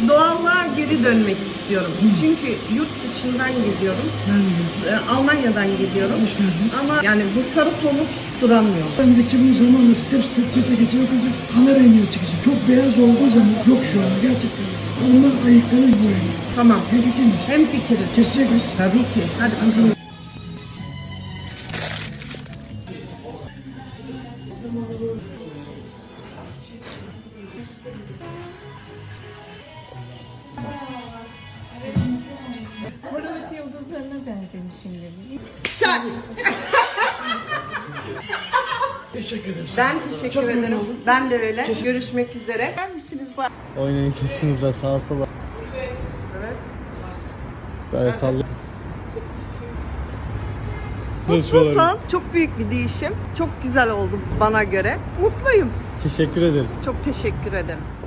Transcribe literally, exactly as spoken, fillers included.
doğallığa geri dönmek istiyorum. Çünkü yurt dışından geliyorum. Ben Ee, Almanya'dan geliyorum. Hoş geldiniz. Ama yani bu sarı tonu duramıyor. Ben de ki bu zamanla step step geçe geçe bakacağız. Ana rengine çıkacak. Çok beyaz olduğu zaman yok şu an gerçekten. Ondan ayıklanır bu rengi. Tamam. Ne fikirmiş? Hem fikiriz. Kesecek miyiz? Tabii ki. Hadi Ben sana... Hollywood yıldızlarına benzemiş şimdi. Çak. Teşekkür ederim. Ben teşekkür Çok memnun ederim. oldum. Ben de öyle. Kesin. Görüşmek üzere. Var mısınız? Var. Oynayın saçınızla sağa sola. Evet. Böyle sallayın. Mutlusun. Çok büyük bir değişim. Çok güzel oldu bana göre. Mutluyum. Teşekkür ederiz. Çok teşekkür ederim.